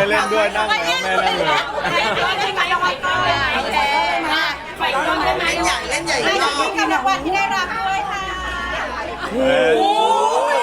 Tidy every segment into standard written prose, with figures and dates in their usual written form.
เล่นด้วยนั่งแล้วแม่นั่งเลยไปรางวัลก่อนไปรางวัลได้ไหมเล่นใหญ่เล่นใหญ่ให้รอบกับรางวัลที่ได้รับด้วยค่ะโอ้ย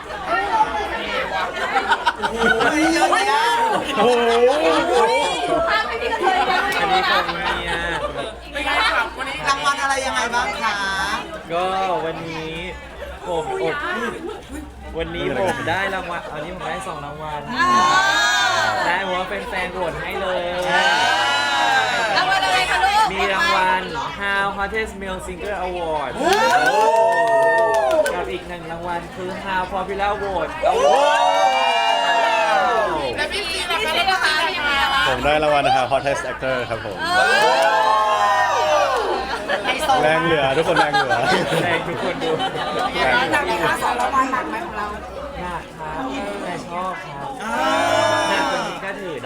เยอะแยะโอ้โหภาพไม่ดีเลยนะอันนี้ของเมียเป็นไงครับวันนี้รางวัลอะไรยังไงบ้างคะก็วันนี้ผมวันนี้ผมได้รางวัลอันนี้ผมได้2 รางวัลได้เพราะว่าเป็นแฟนโหวตให้เลยรางวัลอะไรคะลูกมีรางวัล How Hottest Male Singer Award กับอีก1 รางวัลคือ How Popular Vote Award แล้วพี่ซีนะคะยังไงคะผมได้รางวัลนะครับ Hottest Actor ครับผมแรงเหลือทุกคนแรงเหลือแรงทุกคนดูหนักไหมคะ2 รางวัลหนักไหมของเราหนักครับแต่ชอบครับหนักกว่านี้ก็ถือได้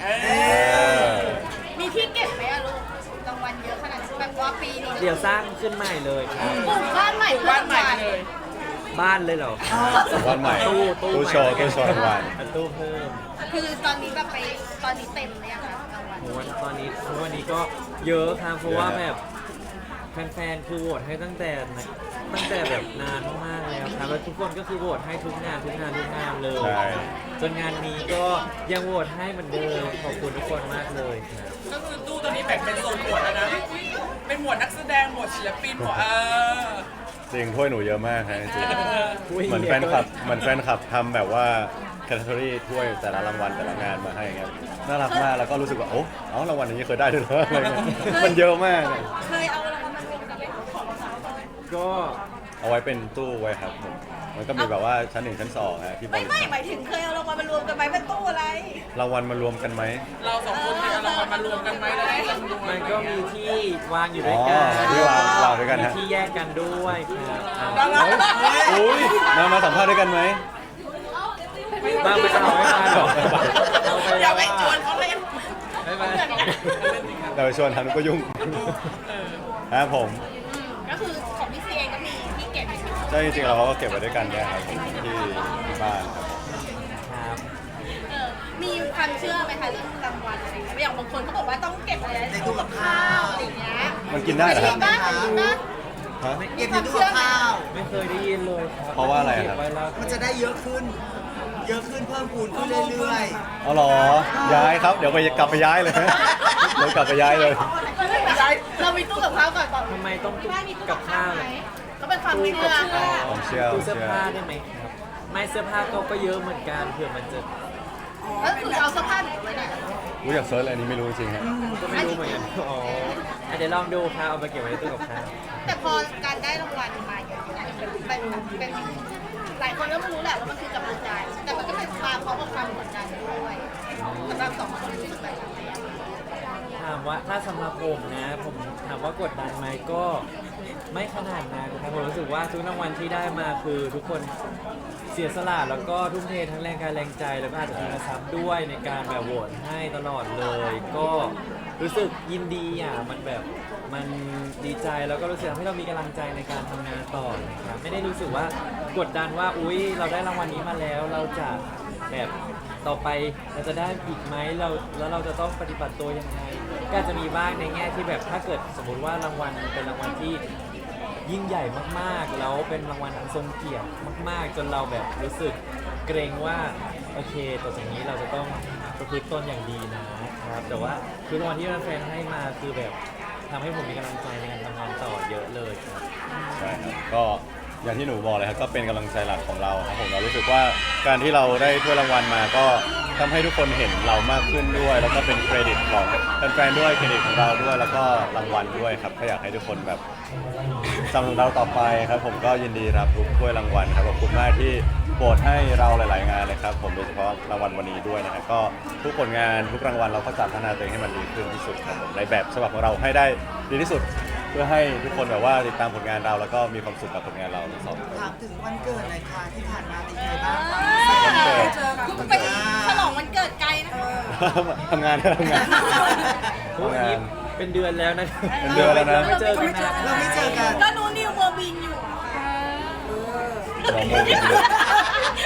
มีที่เก็บไหมอะลูกรางวัลเยอะขนาดนี้แบบว่าปีนี้เดี๋ยวสร้างขึ้นใหม่เลยครับปลูกบ้านใหม่เลยบ้านเลยเหรอวันใหม่ ตู้โชว์ตู้โชว์รางวัลตู้เพิ่มคือตอนนี้แบบไปตอนนี้เต็มเลยอะค่ะรางวัลโหตอนนี้ทุกวันนี้ก็เยอะครับเพราะว่าแบบแฟนๆคือโหวตให้ตั้งแต่แบบนานมากๆแล้วครับแล้วทุกคนก็คือโหวตให้ทุกงานเลยใช่จนงานนี้ก็ยังโหวตให้เหมือนเดิมขอบคุณทุกคนมากเลยครับก็คือตู้ตัวนี้แบ่งเป็นโซนหมวดแล้วนะ เป็นหมวดนักแสดง หมวดศิลปิน หมวดจริงถ้วยหนูเยอะมากครับจริงเหมือนแฟนคลับทำแบบว่าแคตตาล็อถ้วยแต่ละรางวัลแต่ละงานมาให้ครับน่ารักมากแล้วก็รู้สึกว่าโอ้เอารางวัลนี้เคยได้ด้วยเหรออะไรเงี้ยมันเยอะมากเคยเอารางวัลมารวมกันเป็นของเราไหมก็เอาไว้เป็นตู้ไว้ครับผมมันก็มีแบบว่าชั้น 1 ชั้น 2ฮะที่บไม่ริไม่ษัทหมายถึงเคยเอารางวัลมารวมกันไหมเป็นตู้อะไรรางวัลมารวมกันไหมเราสองคนเคยเอารางวัลมารวมกันไหมแล้วได้จำนวนมันก็มีที่วางอยู่ด้วยกันที่วางด้วยกันมีฮะที่แยกกันด้วยครับอุ้ยมาสัมภาษณ์ด้วยกันไหมบ้างไม่เอาไม่มาหรอกเอาไปอย่าไปชวนเขาเล่นไม่มาแต่ไปชวนทำก็ยุ่งครับผมก็คือของพี่ซีเองก็มีที่เก็บอยู่ใช่จริงๆเราก็เก็บไว้ด้วยกันเนี่ยครับผมที่บ้านครับผมครับมีความเชื่อไหมคะเรื่องรางวัลอะไรอย่างเงี้ยอย่างบางคนเขาบอกว่าต้องเก็บอะไรในตู้กับข้าวอะไรอย่างเงี้ยมันกินได้เหรอครับบ้างกินบ้างฮะเก็บในตู้กับข้าวไม่เคยได้ยินเลยครับเพราะว่าอะไรครับเก็ไว้แล้วมันจะได้เยอะขึ้น เยอะขึ้นเพิ่มพูนขึ้นเรื่อยอ๋อเหรอย้ายครับเดี๋ยวกลับไปย้ายเลยเดี๋ยวกลับไปย้ายเลยเรามีตู้กับข้าวก่อนก่อนทำไมต้องบ้านมีตู้กักับบ ข้าข้าววไหมก็เป็นความเชื่อค่ะผมเชื่อตู้เสื้อผ้าได้ไหมครับ ไม่เสื้อผ้าก็เยอะเหมือนกันเผื่อมันจะก็คือเอาเสื้อผ้าหนูไว้ไหนรู้อยากเซิร์ชอะไรนี้ไม่รู้จริงฮะก็ไม่รู้เหมือนกันอ๋อเดี๋ยวลองดูครับเอาไปเก็บไว้ในตู้กับข้าวแต่พอการได้รางวัลมาเยอะๆเป็นหลายคนก็ไม่รู้แหละว่ามันคือกำลังใจ แต่มันก็เป็นความพร้อมกับความกดดันด้วยสำหรับสองคนที่สุดแบบนี้ถามว่าถ้าสำหรับผมนะ ผมถามว่ากดดันไหมก็ไม่ขนาดนั้นครับผมรู้สึกว่าทุกรางวัลที่ได้มาคือทุกคนเสียสละแล้วก็ทุ่มเททั้งแรงกายแรงใจแล้วก็อาจจะมีกระซับด้วยในการแบบโหวตให้ตลอดเลย ก็รู้สึกยินดีอ่ะมันแบบมันดีใจแล้วก็รู้สึกทำให้เรามีกำลังใจในการทำงานต่อนะครับไม่ได้รู้สึกว่ากดดันว่าอุ๊ยเราได้รางวัลนี้มาแล้วเราจะแบบต่อไปเราจะได้อีกไหมแล้วเราจะต้องปฏิบัติตัวยังไงก็อาจจะมีบ้างในแง่ที่แบบถ้าเกิดสมมติว่ารางวัลเป็นรางวัลที่ยิ่งใหญ่มากๆแล้วเป็นรางวัลอันทรงเกียรติมากๆ จนเราแบบรู้สึกเกรงว่าโอเคต่อจากนี้เราจะต้องประพฤติตนอย่างดีนะครับแต่ว่าคือรางวัลที่แฟนๆให้มาคือแบบทำให้ผมมีกำลังใจในการทำงานต่อเยอะเลยครับใช่ครับก็อย่างที่หนูบอกเลยครับก็เป็นกำลังใจหลักของเราครับผมเรารู้สึกว่าการที่เราได้ถ้วยรางวัลมาก็ทำให้ทุกคนเห็นเรามากขึ้นด้วย แล้วก็เป็นเครดิตของแฟนๆด้วยเครดิตของเราด้วย แล้วก็รางวัลด้วยครับก็อยากให้ทุกคนแบบสนับสนุนเราต่อไปครับผมก็ยินดีรับทุกถ้วยรางวัลครับขอบคุณมากที่โปรดให้เราหลาย ๆ งานเลยครับผมโดยเฉพาะรางวัลวันนี้ด้วยนะครับก็ทุกผลงานทุกรางวัลเราก็จะพัฒนาตัวเองให้มันดีขึ้นที่สุดครับผมในแบบฉบับของเราให้ได้ดีที่สุด เพื่อให้ทุกคนแบบว่าติดตามผลงานเราแล้วก็มีความสุขกับผลงานเราทั้งสองคนๆถามถึงวันเกิดหน่อยค่ะที่ผ่านมาเป็นยังไงบ้างคะคุณไปฉลองวันเกิดไกลนะคะทำงานโอ้ยนี่เป็นเดือนแล้วนะเป็นเดือนแล้วนะไม่เจอกันนานเราไม่เจอกันก็นูนิวเมอร์บินอยู่เราไม่ได้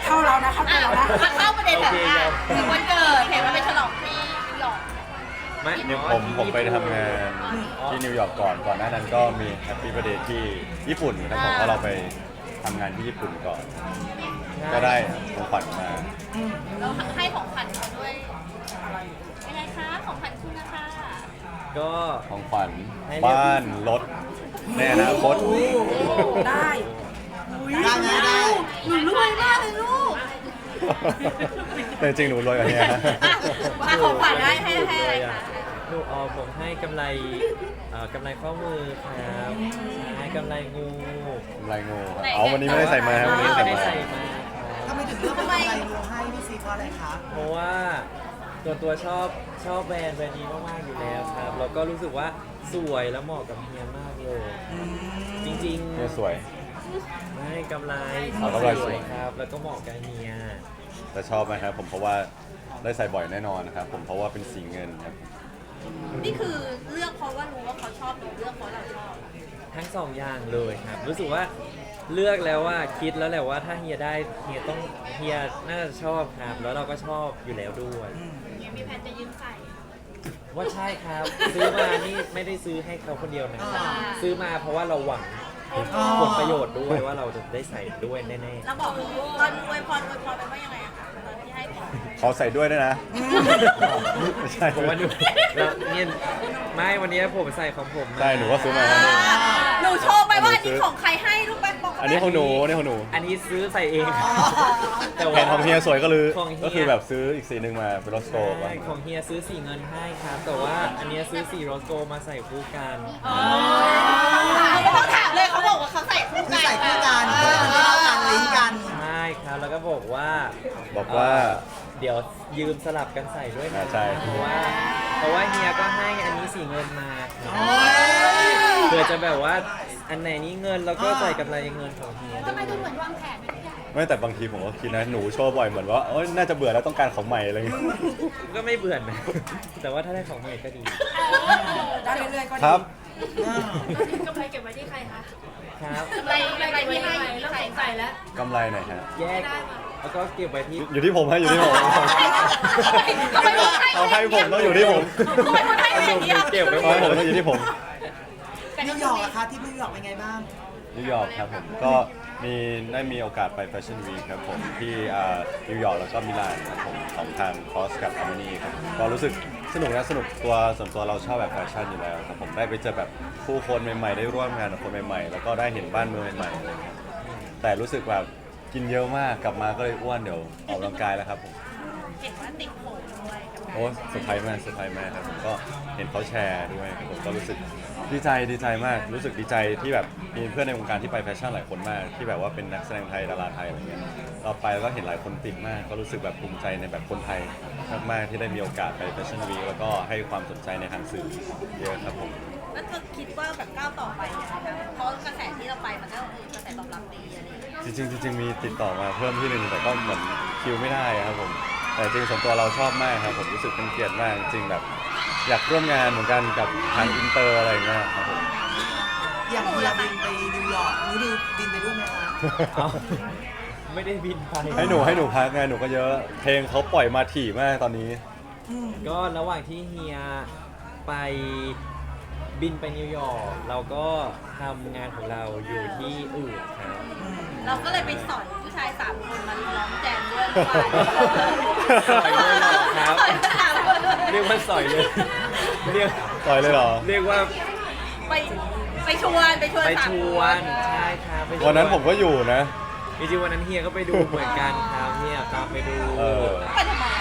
เข้าแล้วนะเข้าตัวแล้วนะเข้าประเด็นแบบว่าถึงวันเกิดเห็นว่าไปฉลองที่นิวยอร์กไม่เนี่ยผมไปทำงานที่นิวยอร์กก่อนหน้านั้นก็มีแฮปปี้ b ร์ t เดย์ที่ญี่ปุ่นครับผมเพราะเราไปทำงานที่ญี่ปุ่นก่อน ก็ได้ของขวัญมาเราให้ของขวัญเขาด้วยยังไงคะของขวัญคุณนะคะก็ของขวัญให้เรียกบ้านรถในอนาคตได้ได้ไหมได้หนูรวยมากเลยลูกแต่จริงๆหนูรวยกว่านี้นะอ่ะของขวัญให้อะไรคะหนูผมให้กำไรกำไรข้อมือครับให้กำไรงูลายงูอ๋อวันนี้ไม่ได้ใส่มาครับวันนี้ไม่ใส่ได้มาใส่มาคถ้ารับไม่ถึงเรื่องเป็นอะไรงูให้พี่ซีเพราะอะไรคะเพราะว่าตัวชอบแบรนด์นี้มากๆอยู่แล้วครับแล้วก็รู้สึกว่าสวยแล้วเหมาะกับเฮียมากเลย จริงเนี่ยสวยๆไม่กำไรเอากำไรสวยครับ แล้วก็เหมาะกับเฮียแต่ชอบไหมครับผมเพราะว่าได้ใส่บ่อยแน่นอนนะครับผมเพราะว่าเป็นสีเงินครับนี่คือเลือกเพราะว่ารู้ว่าเขาชอบหรือเลือกเพราะเราชอบทั้งสองอย่างเลยครับ รู้สึกว่าเลือกแล้วว่าคิดแล้วแหละว่าถ้าเฮียได้เฮียน่าจะชอบครับ แล้วเราก็ชอบอยู่แล้วด้วยมีแผนจะยืมใส่ว่าใช่ครับ ซื้อมานี่ไม่ได้ซื้อให้เขาคนเดียวนะครับซื้อมาเพราะว่าเราหวังผลประโยชน์ด้วยว่าเราจะได้ใส่ด้วยแน่แล้วบอกตอนอวยพรไปว่ายังไงอะคะตอนที่ให้ของขอใส่ด้วยนะไม่ใช่ๆผมว่าหนูแล้วเนี่ยไม่วันนี้ผมใส่ของผมมาใช่หนูก็ซื้อมาแล้วนี่หนูโชว์ไปว่าอันนี้ของใครให้ลูกไปบอกอันนี้ของหนูอันนี้ของหนูอันนี้ซื้อใส่เอง แต่แผนของเฮียสวยก็เลยของเฮียก็คือแบบซื้ออีกสีหนึ่งมาเป็นรถสโตร์ใช่ของเฮียซื้อสีเงินให้ครับ แต่ว่าอันเนี้ยซื้อสีโรสโกมาใส่คู่กันไม่ต้องถามเลยเขาบอกว่าเขาใส่คู่คือกันใส่คู่กันเข้ากันลิงก์กันใช่ครับ แล้วก็บอกว่าบอกว่าเดี๋ยวยืมสลับกันใส่ด้วยนะใช่เพราะว่าเฮียก็ให้อันนี้สีเงินมาเพื่อจะแบบว่าอันไหนนี้เงินแล้วก็ใส่กำไรเงินของเฮียด้วยไม่แต่บางทีผมก็คิดนะหนูโชว์บ่อยเหมือนว่าเอ้ยน่าจะเบื่อแล้วต้องการของใหม่อะไรอย่างเงี้ยก็ไม่เบื่อนะ แต่ว่าถ้าได้ของใหม่ก็ดีได้เรื่อยๆก็ดีครับกำไรเก็บไว้ที่ใครคะครับอะไรที่ให้เริ่มใส่สงสัยแล้วกำไรหน่อยฮะแยกแล้วก็เก็บไว้ที่อยู่ที่ผมฮะอยู่ที่ผมทำไมบอกให้เอาให้ผมต้องอยู่ที่ผมทำไมบอกให้ไม่อย่างเดียวเก็บไว้เอาให้ผมต้องอยู่ที่ผมนิวยอร์กอะคะที่นิวยอร์กเป็นไงบ้างนิวยอร์กครับผมก็ได้มีโอกาสไปแฟชั่นวีคครับผมที่นิวยอร์กแล้วก็มิลานครับผมของทางคอสกับอาร์เมนีครับก็รู้สึกสนุกนะสนุกส่วนตัวเราชอบแบบแฟชั่นอยู่แล้วครับผมได้ไปเจอแบบผู้คนใหม่ๆได้ร่วมงานกับคนใหม่ๆแล้วก็ได้เห็นบ้านเมืองใหม่ๆอะไรครับแต่รู้สึกแบบกินเยอะมากกลับมาก็เลยอ้วนเดี๋ยวออกกำลังกายแล้วครับผมเห็นว่าติดโผล่ด้วยกับการโอ้เซอร์ไพรส์มากเซอร์ไพรส์มากครับผมก็เห็นเขาแชร์ด้วยครับผมก็รู้สึกดีใจมากรู้สึกดีใจที่แบบมีเพื่อนในวงการที่ไปแฟชั่นหลายคนมากที่แบบว่าเป็นนักแสดงไทยดาราไทยอะไรเงี้ยเราไปแล้วก็เห็นหลายคนติดมาก ก็รู้สึกแบบภูมิใจในแบบคนไทยมากๆที่ได้มีโอกาสไปแฟชั่นวีคแล้วก็ให้ความสนใจในทางสื่อเยอะครับผมแล้วเธอคิดว่าแบบก้าวต่อไปเนี่ยนะคะเพราะกระแสที่เราไปมันก็กระแสตอบรับดีอะไรอย่างเงี้ยจริงมีติดต่อมาเพิ่มที่หนึ่งแต่ก็เหมือนคิวไม่ได้ครับผมแต่จริงส่วนตัวเราชอบมากครับผมรู้สึกเป็นเกียรติมากจริงแบบอยากร่วมงานเหมือนกันกับทางอินเตอร์อะไรเงี้ยครับผมอย่างเฮียบินไปนิวยอร์กหนูดิวบินไปด้วยไหมคะเอาไม่ได้บินไปให้หนูพักไงหนูก็เยอะเพลงเขาปล่อยมาถี่มากตอนนี้ก็ระหว่างที่เฮียไปบินไปนิวยอร์กเราก็ทำงานของเราอยู่ที่อื่นครับเราก็เลยไปสอนผู้ชาย3 คนมาร้องแจมด้วยสอยเลยเหรอครับ เรียกว่าสอยเลยเรียกปล่อยเลยเหรอเรียกว่าไปชวนไปช 3 วน ใช่ครับไปชวันนั้นผมก็อยู่นะจริงๆวันนั้นเฮียก็ไปดูเหมือนกันครับเฮียตามไปดูเออไปทำไมอะ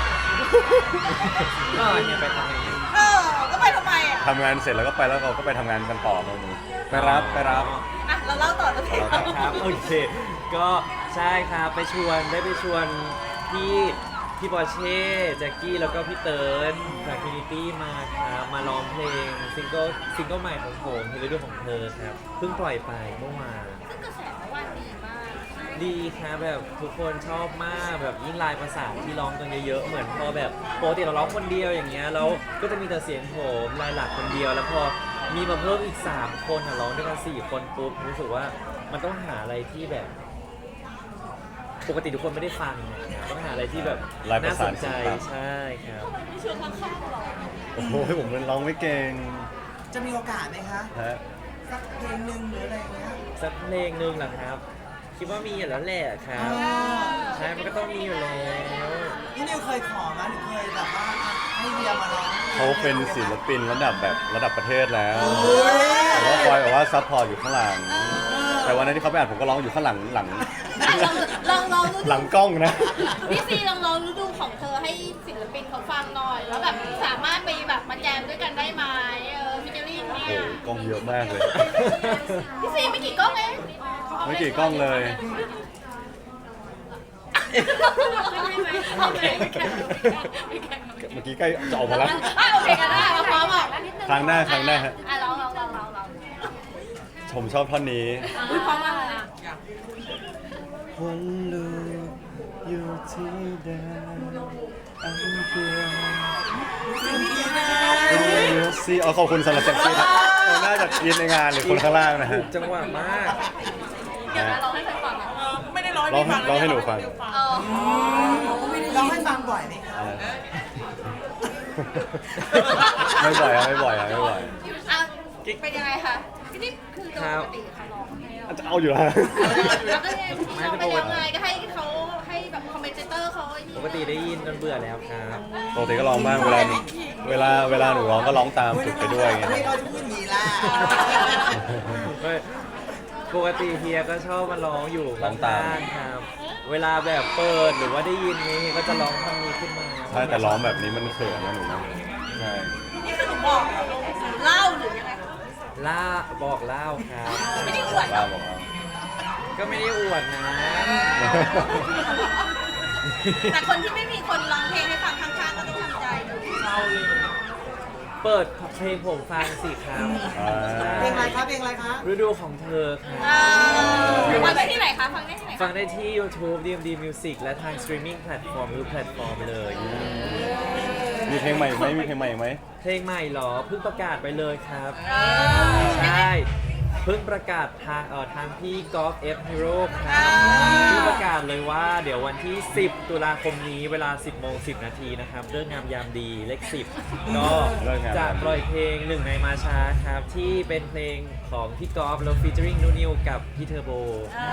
ก็เฮียไปทำอะไรอยู่ก็ไปทำไมอ่ะทำงานเสร็จแล้วก็ไปแล้วเราก็ไปทำงานกันต่อตรงนี้ไปรับอ่ะเราเล่าต่อเลยครับโอเค ก็ใช่ครับได้ไปชวนพี่ปอร์เช่แจ็คกี้แล้วก็พี่เติร์นจากฟินิตี้มาครับมาร้องเพลงซิงเกิลใหม่ของผมเพลงฤดูของเธอครับเพิ่งปล่อยไปเมื่อวานซึ่งกระแสเมื่อวานดีมากดีครับแบบทุกคนชอบมากแบบยิ่งลายประสานที่ร้องกันเยอะๆเหมือนพอแบบปกติเราร้องคนเดียวอย่างเงี้ยแล้วก็จะมีแต่เสียงโหมลายหลักคนเดียว แล้วพอมีมาเพิ่มอีก3คนร้องด้วยกัน4 คนปุ๊บรู้สึกว่ามันต้องหาอะไรที่แบบปกติทุกคนไม่ได้ฟังนะครับต้องหาอะไรที่แบบลายประน่าสสานนใจศิลปะใช่ครับโอ้โหผมเป็นร้องไม่เก่งจะมีโอกาสไหมคะฮะสักเพลงหนึ่งหรืออะไรอย่างเงี้ยสักเพลงหนึ่งเหรอครับ คิดว่ามีอยู่แล้วแหละครับ ใช่มันก็ต้องมีอยู่แล้วนี่นิวเคยขอมาหรือเคยแบบว่าให้เวียมาร้องเขาเป็นศิลปินระดับแบบระดับประเทศแล้วโอ้ยแต่ว่าคอยแบบว่าซัพพอร์ตอยู่ข้างหลัง แต่วันนั้นที่เขาไปอ่านผมก็ร้องอยู่ข้างหลังลองฤหลัดูงกล้องนะพี่ซีลองฤดูของเธอให้ศิลปินเขาฟังหน่อย แล้วแบบสามารถไปแบบมาแจมด้วยกันได้ไหมฟิชเจอริ่งเนี่โอ้ยโหกล้องเยอะมากเลยพี่ซีไม่กี่กล้องเองไม่กี่กล้องเลยโอเคเมื่อกี้ใกล้จะออกมาแล้วโอเคกันได้มาพร้อมอ่ะครั้งหน้าฮะลองผมชอบท่อนนี้อุ้ยพร้อมมากเลยอ่ะคนลูกอยู่ที่ใดอันเดียวซีขอบคุณสำหรับเซ็กซี่ครับน่าจะยินในงานหรือคนข้างล่างนะฮะจังหวะมากเดี๋ยวนะเราให้ใครฟังอ่ะไม่ได้ร้องร้องให้หนูฟังร้องให้ฟังบ่อยไหมคะไม่บ่อยอะไม่บ่อยอะไม่บ่อยอ่ะเป็นยังไงคะพี่นี่คือโดยปกติเขาร้องจะเอาอยู่แล้วแล้วก็ยังที่เราเป็นยังไงก็ให้เขาให้แบบคอมเมนเตอร์เขาไอ้นี่ปกติได้ยินจนเบื่อแล้วครับปกติก็ร้องบ้างเวลาหนูร้องก็ร้องตามฝึกไปด้วยไงไม่เราจะพูดอย่างนี้ล่ะปกติเฮียก็ชอบมาร้องอยู่ร้องตามข้างๆครับ เวลาแบบเปิดหรือว่าได้ยินนี้เฮียก็จะร้องท่อนนี้ขึ้นมาใช่แต่ร้องแบบนี้มันเขินนะหนูนะใช่นี่คือหนูบอกเล่าหรือยังไงล่าบอกเล่าครับไม่ได้อวดบ้าบอกเอาก็ไม่ได้อวดนะแต่คนที่ไม่มีคนร้องเพลงให้ฟังข้างๆก็ต้องทำใจเปิดเพลงผมฟังสิครับเพลงอะไรคะเพลงอะไรคะฤดูของเธอครับฟังได้ที่ไหนคะ ฟังได้ที่ไหนฟังได้ที่ YouTube DMD Music และทาง streaming platform ทุกแพลตฟอร์มเลยมีเพลงใหม่อีกไหมมีเพลงใหม่อีกไหมเพลงใหม่เหรอ เพิ่งประกาศไปเลยครับ ใช่ เพิ่งประกาศทางพี่กอล์ฟเอฟฮีโร่ครับเพิ่งประกาศเลยว่าเดี๋ยววันที่ 10 ตุลาคมนี้เวลา 10 โมง 10 นาทีนะครับเรื่องงามยามดีเลข 10 ก็จะปล่อยเพลงหนึ่งในมาช้าครับ ที่เป็นเพลงของพี่กอล์ฟแล้วฟีเจอริงนูนิวกับพี่เทอร์โบ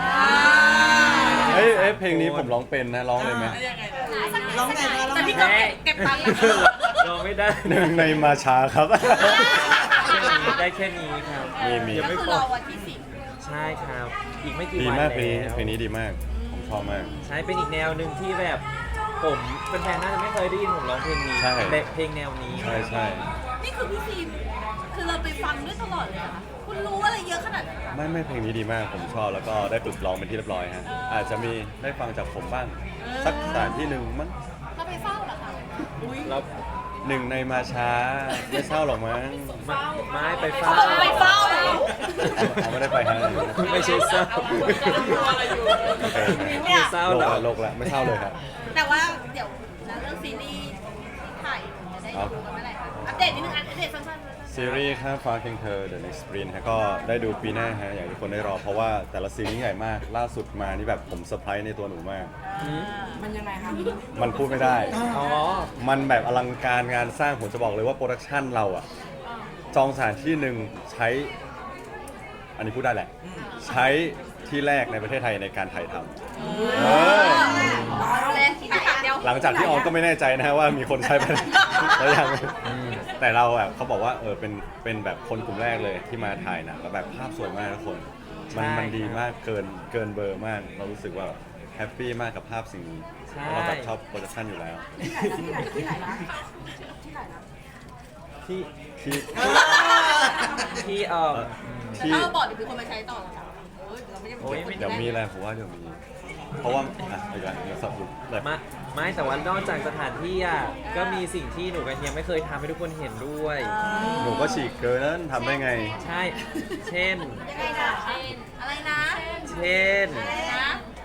เอ้ยเพลงนี้ผมร้องเป็นนะร้องเลยไหมร้องไงคะร้องแต่ไงพี่ก็เก็บตังค์นะคะร้องไม่ได้หนึ่งในมาช้าครับได้แค่นี้ครับมียังก็ไม่คือพรออวันที่10 ใช่ครับ อีกไม่กี่ดีวันมากแล้วเพลงนี้ดีมาก ผมชอบมากใช่เป็นอีกแนวหนึ่งที่แบบผมเป็นแฟนๆน่าจะไม่เคยได้ยินผมร้องเพลงนี้ใช่แบบเพลงแนวนี้ใช่ใช่นี่คือพี่ซีคือเราไปฟังด้วยตลอดเลยเหรอคะคุณรู้อะไรเยอะขนาดนั้นเหรอไม่เพลงนี้ดีมากผมชอบแล้วก็ได้ฝึกร้องเป็นที่เรียบร้อยฮะอาจจะมีได้ฟังจากผมบ้าง สักสถานที่หนึ่งมั้งเราไปเฝ้าเหรอคะแล้วหนึ่งในมาช้าไม่เศร้าหรอกมั้งไม่ไปเฝ้าไปเฝ้าเอาไม่ได้ไปฮะไม่ใช่เศร้าโอเคเนี่ยเศร้าโลเหรกอละโลกละไม่เศร้าเลยครับแต่ว่าเดี๋ยวนะเรื่องซีรีส์ที่ถ่ายจะได้ดูกันเมื่อไหร่คะอัปเดตนิดนึงอัปเดตสั้นๆซีรีส์ข้ามฟ้าเคียงเธอ The Next Sprint ฮะก็ได้ดูปีหน้าฮะอย่างที่ทุกคนได้รอ เพราะว่าแต่ละซีรีส์ใหญ่มาก ล่าสุดมานี่แบบผมเซอร์ไพรส์ในตัวหนูมากมันยังไงคะมันพูดไม่ได้อ๋อมันแบบอลังการงานสร้างผมจะบอกเลยว่าโปรดักชันเราอะจองสถานที่หนึ่งใช้ อันนี้พูดได้แหละ ใช้ที่แรกในประเทศไทยในการถ่ายทำเออเอาเลยที่ถ่ายเดียวหลังจากที่ออนก็ไม่แน่ใจนะว่ามีคนใช้ไปแล้วยังแต่เราแบบเขาบอกว่าเป็นแบบคนกลุ่มแรกเลยที่มาถ่ายหนังแล้วแบบภาพสวยมากทุกคน มันดีมากเกินเบอร์มาก เรารู้สึกว่าแฮปปี้มากกับภาพสิ่งนี้ใช่เราแบบชอบโปรดักชันอยู่แล้วที่ไหนนะที่ไหนนะที่ที่ที่ที่ถ้าเราบอกเดี๋ยวมีคนมาใช้ต่อเหรอคะโอ้ยเราไม่ได้โอ้ยไม่เดี๋ยวมีอะไรผมว่าเดี๋ยวมี เพราะว่าอ่ะอีกแล้วเดี๋ยวสับแบบไม่แต่ว่านอกจากสถานที่อ่ะก็มีสิ่งที่หนูกับเฮียไม่เคยทำให้ทุกคนเห็นด้วยหนูก็ฉีกเกินนั้นทำได้ไงใช่ เช่นยังไงนะอะไรนะเช่นอะไรนะ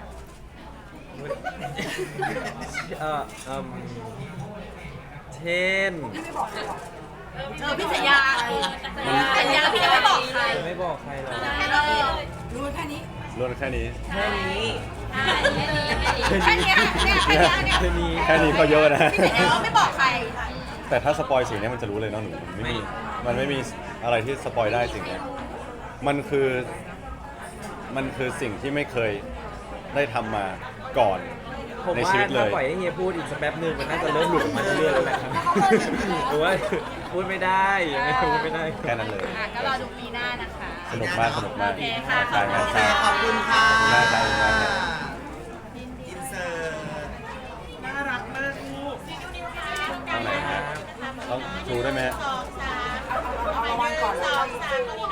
เช่นพี่สัญญาสัญญาพี่จะไม่บอกใครไม่บอกใครหรอกรู้แค่นี้ล้วนแค่นี้แค่นี้แค่เนี้ยเนี่ยแค่เนี้ยเนี่ยแค่นี้แค่นี้ก็เยอะนะที่ไหนแล้วไม่บอกใครแต่ถ้าสปอยสิ่งนี้มันจะรู้เลยเนาะหนูมันไม่มีอะไรที่สปอยได้สิ่งนี้มันคือสิ่งที่ไม่เคยได้ทำมาก่อนผมในว่าชีวิตเลถ้าย ปล่อยให้เฮียพูดอีกสักแป๊บหนึงมันน่าจะเริ่มหลุดออกมาเรื่อยๆแล้วแหละครับหรือว่าพูดไม่ได้ยังไงพูดไม่ได้แค่นั้นเลยก็รอดูปีหน้านะคะสนุกมากสนุกมากโอเคค่ะใช่โอเคขอบคุณค่ะขอบคุณมากครับขอบคุณมากครับอินเสิร์ตน่ารักมากลูกต้องไหนครับต้องชูได้ไหมฮะเอารางวัลก่อนเลย 2 3